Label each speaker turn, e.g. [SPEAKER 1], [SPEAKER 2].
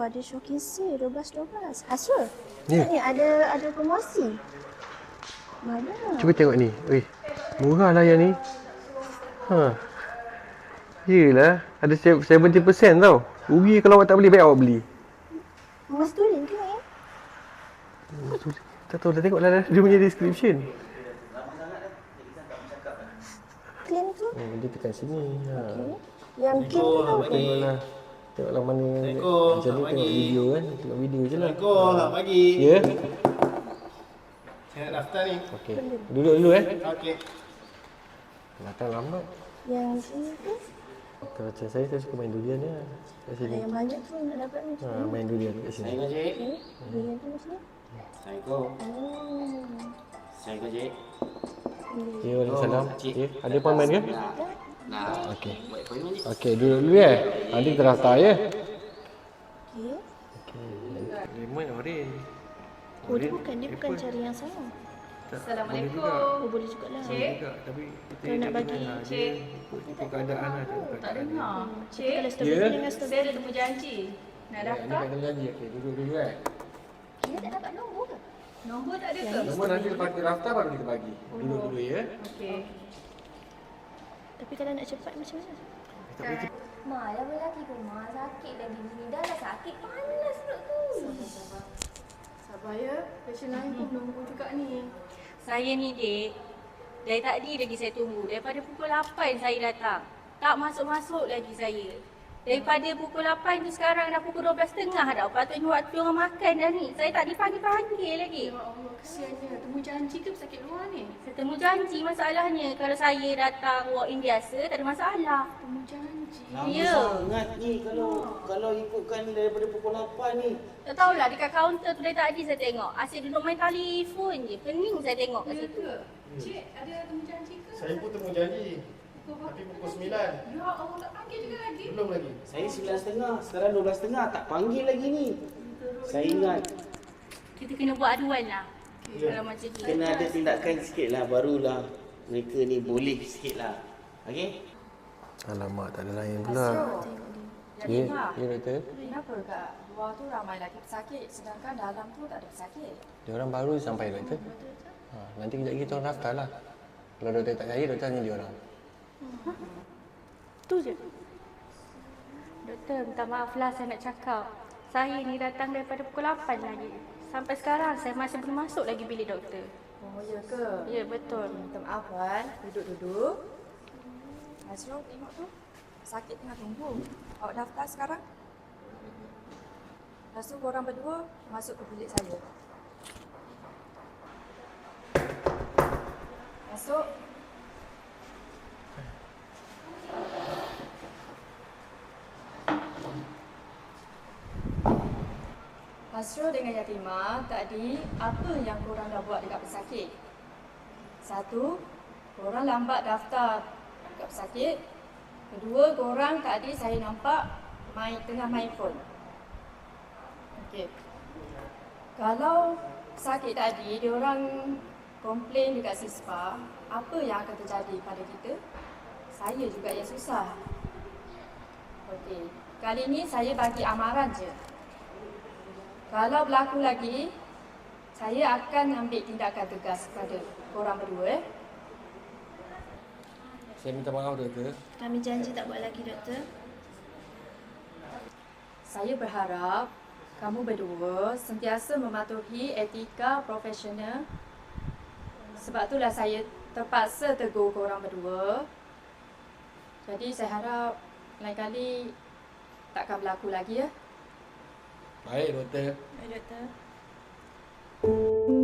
[SPEAKER 1] ada showcase 12-12. Hasil.
[SPEAKER 2] Ya.
[SPEAKER 1] Ni ada promosi. Mana?
[SPEAKER 2] Cuba tengok ni. Murah lah yang ni. Yelah, ada 70% tau. Rugi kalau awak tak beli, baik awak beli.
[SPEAKER 1] Mas tulen ke ni?
[SPEAKER 2] Tak tahu, dah tengok lah dia punya description.
[SPEAKER 1] Clean tu?
[SPEAKER 2] Dia tekan sini.
[SPEAKER 1] Yang clean tu tau.
[SPEAKER 2] Tengoklah mana yang macam ni, tengok video kan. Tengok video je lah.
[SPEAKER 3] Assalamualaikum, selamat pagi.
[SPEAKER 2] Ya?
[SPEAKER 3] Saya nak daftar ni.
[SPEAKER 2] Okey. Duduk dulu
[SPEAKER 3] Okey.
[SPEAKER 2] Datang lambat.
[SPEAKER 1] Yang sini tu?
[SPEAKER 2] Kalau macam saya suka main durian je. Kat sini.
[SPEAKER 1] Yang banyak tu nak dapat ni.
[SPEAKER 2] Main durian kat sini.
[SPEAKER 3] Assalamualaikum, Cik.
[SPEAKER 1] Durian tu macam ni.
[SPEAKER 3] Assalamualaikum. Assalamualaikum, Cik.
[SPEAKER 2] Ya, waalaikumsalam. Ya, ada appointment ke?
[SPEAKER 3] Nah,
[SPEAKER 2] Okey.
[SPEAKER 3] buat appointment, Cik.
[SPEAKER 2] Okey, duduk dulu ya. Nanti kita daftar ya.
[SPEAKER 1] Okey.
[SPEAKER 2] Lemon orange.
[SPEAKER 1] Oh, dia bukan cari yang sama.
[SPEAKER 4] Assalamualaikum.
[SPEAKER 1] Oh, boleh juga lah.
[SPEAKER 4] Cik.
[SPEAKER 2] Tapi
[SPEAKER 1] Kalau nak bagi.
[SPEAKER 4] Cik.
[SPEAKER 2] ikut keadaan lah.
[SPEAKER 4] Tak dengar.
[SPEAKER 1] Kalau
[SPEAKER 4] Cik,
[SPEAKER 1] strawberry dengan
[SPEAKER 4] saya
[SPEAKER 1] strawberry.
[SPEAKER 4] ada temu janji. Nak daftar?
[SPEAKER 2] Ini janji. Okey, duduk dulu
[SPEAKER 1] Kita tak dapat nombor ke?
[SPEAKER 4] Nombor tak ada ke?
[SPEAKER 2] Nombor nanti lepas kita daftar baru kita bagi. Duduk dulu ya.
[SPEAKER 4] Okey.
[SPEAKER 1] Tapi kalau nak cepat macam mana?
[SPEAKER 5] Ma, lama lagi ke Ma? Sakit lagi gini. Dah lah sakit. Panas perut tu.
[SPEAKER 4] Sabar ya. Patient lain pun menunggu juga ni. Saya ni, Dek. Dari tadi lagi saya tunggu. Daripada pukul 8 saya datang. Tak masuk-masuk lagi saya. Daripada pukul 8 tu sekarang dah pukul 12.30 dah. Patutnya waktu orang makan dah ni. Saya tak dipanggil-panggil lagi.
[SPEAKER 6] Ya Allah, kesiannya. Temu janji ke pesakit luar ni?
[SPEAKER 4] Saya temu janji masalahnya. Kalau saya datang walk-in biasa, tak ada masalah.
[SPEAKER 6] Temu janji.
[SPEAKER 3] Lama
[SPEAKER 4] Ya.
[SPEAKER 3] sangat ni kalau ikutkan daripada pukul 8 ni.
[SPEAKER 4] Tak tahulah dekat kaunter tu dari tadi saya tengok. Asyik duduk main telefon je. Pening saya tengok kat
[SPEAKER 6] Ya
[SPEAKER 4] situ.
[SPEAKER 6] ke? Cik, ada temu janji ke?
[SPEAKER 3] Saya pun temu janji. Tapi pukul 9.
[SPEAKER 6] Ya Allah, tak panggil juga lagi.
[SPEAKER 3] Belum lagi. Saya 9.30, sekarang 12.30 tak panggil lagi ni. Saya ingat
[SPEAKER 4] Kita kena buat aduan lah.
[SPEAKER 3] Ya.
[SPEAKER 4] Kalau macam ni.
[SPEAKER 3] kena ada tindakan sikit lah, barulah mereka ni boleh sikit lah. Okey?
[SPEAKER 2] Alamak, tak ada lain pula. Ya, ya doktor.
[SPEAKER 7] Kenapa kat luar tu ramai lagi pesakit sedangkan dalam tu tak ada pesakit?
[SPEAKER 2] Dia orang baru sampai doktor. Nanti kejap lagi kita orang daftar lah. Kalau doktor tak percaya, doktor tanya dia orang.
[SPEAKER 4] Tu je. Doktor, minta maaf lah saya nak cakap. Saya ni datang daripada pukul 8 lagi. Sampai sekarang saya masih belum masuk lagi bilik doktor.
[SPEAKER 7] Oh, ya ke?
[SPEAKER 4] Ya, betul.
[SPEAKER 7] Minta maaf Wan. Duduk. Azrul, tengok tu. Sakit tengah tunggu. Awak daftar sekarang? Lepas tu korang berdua masuk ke bilik saya. Masuk. Hasrul dengan Yatimah, tadi apa yang korang dah buat dekat pesakit? Satu, korang lambat daftar dekat pesakit. Kedua, korang tadi saya nampak tengah main phone. Okey. Kalau pesakit tadi, diorang komplain dekat Sispa, apa yang akan terjadi pada kita? Saya juga yang susah. Okey. Kali ni saya bagi amaran je. Kalau berlaku lagi, saya akan ambil tindakan tegas kepada korang berdua.
[SPEAKER 2] Saya minta maaf doktor.
[SPEAKER 1] Kami janji tak buat lagi, doktor.
[SPEAKER 7] Saya berharap kamu berdua sentiasa mematuhi etika profesional. Sebab itulah saya terpaksa tegur korang berdua. Jadi saya harap lain kali takkan berlaku lagi ya.
[SPEAKER 2] Baik doktor.
[SPEAKER 1] Baik, doktor.